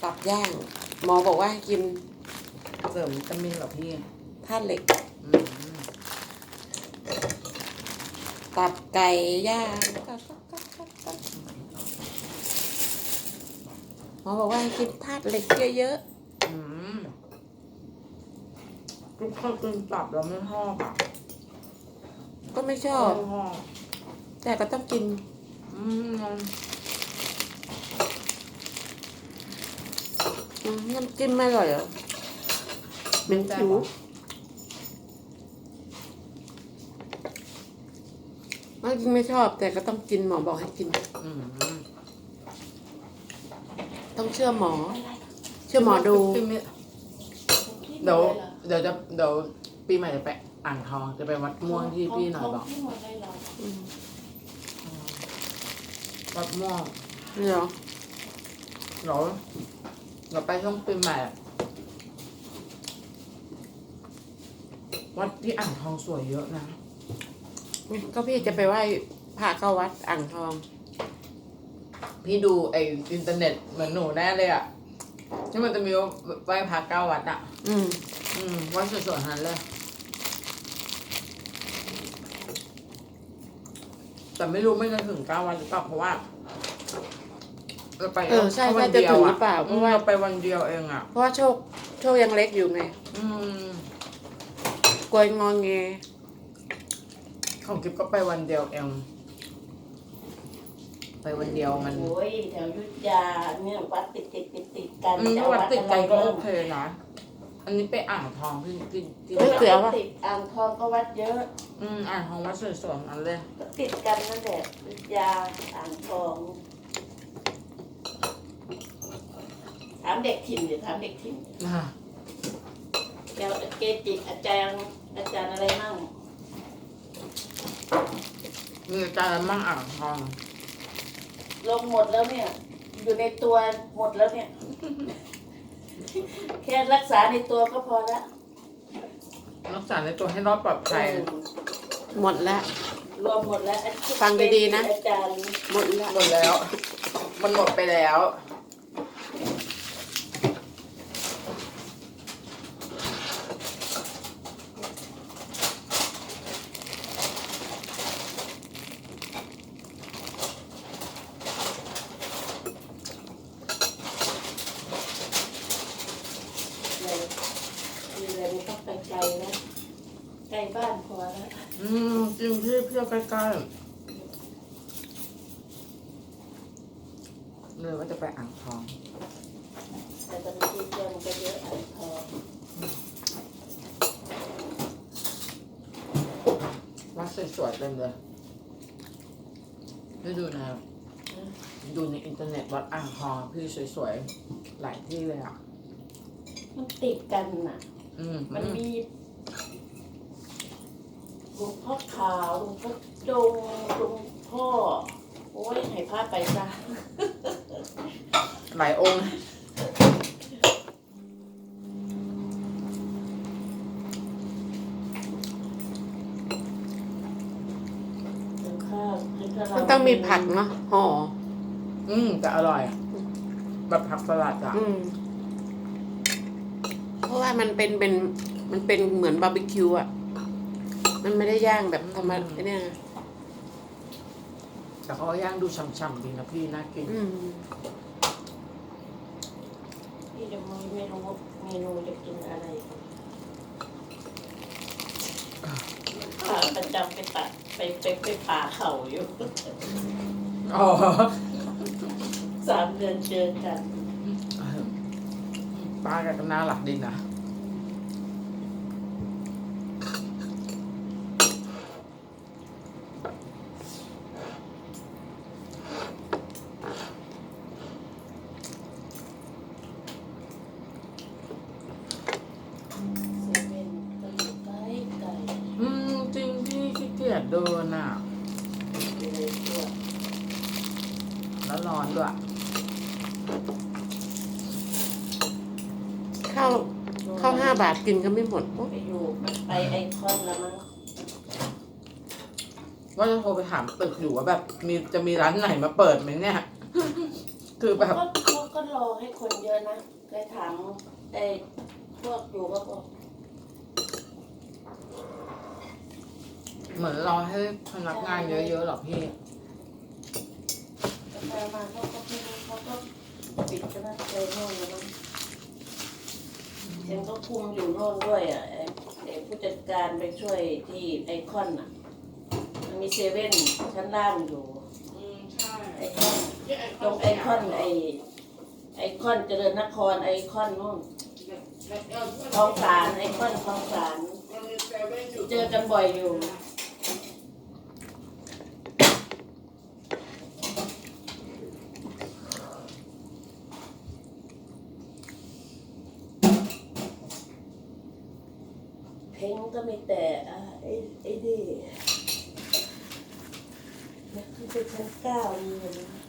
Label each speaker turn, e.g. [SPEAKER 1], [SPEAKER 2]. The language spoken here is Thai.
[SPEAKER 1] ตับย่างหมอบอกว่าให้กิน
[SPEAKER 2] เสริมวิตามินเหรอพี่
[SPEAKER 1] ธาตุเหล็ก
[SPEAKER 2] อืม
[SPEAKER 1] ตับไก่ย่างหมอบอกว่าให้กินธาตุเหล็กเยอะ
[SPEAKER 2] อืมทุกคนกินตับแล้วไม่ชอบอ่ะ
[SPEAKER 1] ๆก็ไม่ชอบ
[SPEAKER 2] ไม่ชอบ
[SPEAKER 1] แต่ก็ต้องกิน
[SPEAKER 2] อืม
[SPEAKER 1] น้ำจิ้มไม่อร่อยเหรอเป็นผิวไม่ชอบแต่ก็ต้องกินหมอบอกให้กิน
[SPEAKER 2] อืม
[SPEAKER 1] ต้องเชื่อหมอ เชื่อหมอดู
[SPEAKER 2] เดี๋ยวปีใหม่จะไปอ่างทองจะไปวัดม่วงที่พี่หน่อยบอก
[SPEAKER 3] ที่หมดเลยเหรอ
[SPEAKER 2] วัดม่วง
[SPEAKER 1] นี่เหรอ
[SPEAKER 2] เราไปช่วงปีใหม่อะวัดที่อ่างทองสวยเยอะนะ
[SPEAKER 1] ก็พี่จะไปไหว้พระเข้าวัดอ่างทอง
[SPEAKER 2] พี่ดูไออินเทอร์เน็ตเหมือนหนูแน่เลยอ่ะที่มันจะมีไหว้พระ9 วัดอ่ะ
[SPEAKER 1] อืม
[SPEAKER 2] วัดสวยๆนั้นเลย แต่ไม่รู้ไม่จะถึง9 วันหรือเปล่าเพราะว่าเราไป
[SPEAKER 1] ใช่
[SPEAKER 2] แค่วั
[SPEAKER 1] ใช่
[SPEAKER 2] น
[SPEAKER 1] จะ
[SPEAKER 2] เดียว
[SPEAKER 1] ถึงห
[SPEAKER 2] อ่ะ
[SPEAKER 1] รือเปล่าเพราะว่า
[SPEAKER 2] เราไปวันเดียวเองอ่ะ
[SPEAKER 1] เพราะว่าโชคยังเล็กอยู่ไง
[SPEAKER 2] อืม
[SPEAKER 1] กลัวยงอแง
[SPEAKER 2] ของกิฟก็ไปวันเดียวเอง ไปวันเดียวมัน
[SPEAKER 3] โอ้ยแถวอยุธยาเนี่ยวัดติดกัน
[SPEAKER 2] ถ้าวัดติดกันก็โอเคนะ อันนี้ไปอ่างทองที่
[SPEAKER 1] เฮ้ยเสือ
[SPEAKER 3] ติดอ่างทองก็วัดเยอะ
[SPEAKER 2] อ่างทองวัดสวยๆนั้นเลย
[SPEAKER 3] ก็ติดกันนั่นแหละอยุธยาอ่างทองถามเด็กถิ่นเดี๋ยวถามเด็กถิ่น
[SPEAKER 2] อ่ะ
[SPEAKER 3] แกเกจิอาจารย์อะไรมั่ง
[SPEAKER 2] มีอาจารย์มั่งอ่างทอง
[SPEAKER 3] ลงหมดแล้วเนี่ย อยู่ในตัวหมดแล้วเนี่ย แค่รักษาในตัวก็พอละ
[SPEAKER 2] รักษาในตัวให้รอดปลอดภัย
[SPEAKER 1] หมดแล้ว
[SPEAKER 3] รวมหมดแล้ว
[SPEAKER 1] ฟังดีๆนะ
[SPEAKER 3] อาจารย์
[SPEAKER 1] หมดแล้ว
[SPEAKER 2] หมดแล้ว มันหมดไปแล้ว
[SPEAKER 3] เลยมีอะไรไม่ต้องไปไกลนะใกล้บ้านพอแล้ว
[SPEAKER 2] จริงพี่เพื่อใกล้ๆเลยว่าจะไปอ่างทอง
[SPEAKER 3] แต่ตอนนี้ที่เที่ยวมันก็เยอะอ่างทอง
[SPEAKER 2] วัดสวยๆเต็มเลยได้ดูนะครับดูในอินเทอร์เน็ตวัดอ่างทองพี่สวยๆหลายที่เลยอ่ะ
[SPEAKER 3] มันติดกันน่ะ มันมีหลวงพ่อขาวหลวงพ่อดงหลวงพ่อ โอ้ยให้พาไปซะ
[SPEAKER 2] หลายองค์
[SPEAKER 1] มันต้องมีผักเนาะห่อ
[SPEAKER 2] แต่อร่อยอะแบบผักสลัดอ่ะ
[SPEAKER 1] เพราะว่ามันเป็นเหมือนบาร์บีคิวอ่ะ มันไม่ได้ย่างแบบธรรมดาเนี่ย
[SPEAKER 2] แต่เขาก็ย่างดูฉ่ำๆดีนะพี่น่ากิน
[SPEAKER 3] พี่จะไม่รู้เมนูจะกินอะไรขาประจำไปตัดไปป่าเขาอยู่
[SPEAKER 2] อ๋อ
[SPEAKER 3] 3 เดือนเจอกัน
[SPEAKER 2] ป้าแกก็น่ารักดีนะ
[SPEAKER 3] เซเว่นก็อยู่ใกล้
[SPEAKER 2] จริงพี่ขี้เกียจเดินอ่ะ
[SPEAKER 3] เลยตัว
[SPEAKER 2] แล้วร้อนด้วย
[SPEAKER 1] ข้าว5 บาทกินก็ไม่หมด
[SPEAKER 3] ไปอยู่ไปไอคอนแล้วมั้ง
[SPEAKER 2] ว่าจะโทรไปถามตึกอยู่ว่าแบบจะมีร้านไหนมาเปิดไหมเนี่ย คือแบบ
[SPEAKER 3] เขาก็รรอให้คนเยอะนะเคยถามไอ้พวกอยู่ก็บอก
[SPEAKER 2] เหมือนรอให้พนักงานเยอะๆหรอพี่
[SPEAKER 3] ไปมาเขาก็ไม่รู้เขาก็ปิดกันนะไปโน่นแล้วมั้งเอ็มก็คุมอยู่โน่นด้วยอ่ะไอ้ผู้จัดการไปช่วยที่ไอคอนอ่ะมันมีเซเว่นชั้นล่างอยู่
[SPEAKER 1] ใช่
[SPEAKER 3] ไอคอนตรงไอคอนไอคอนเจริญนครไอคอนนู่นคลองสารไอคอนคลองสารเจอกันบ่อยอยู่เพลงก็มีแต่ไอ้ดีขึ้นไปชั้น9นี่เลยนะ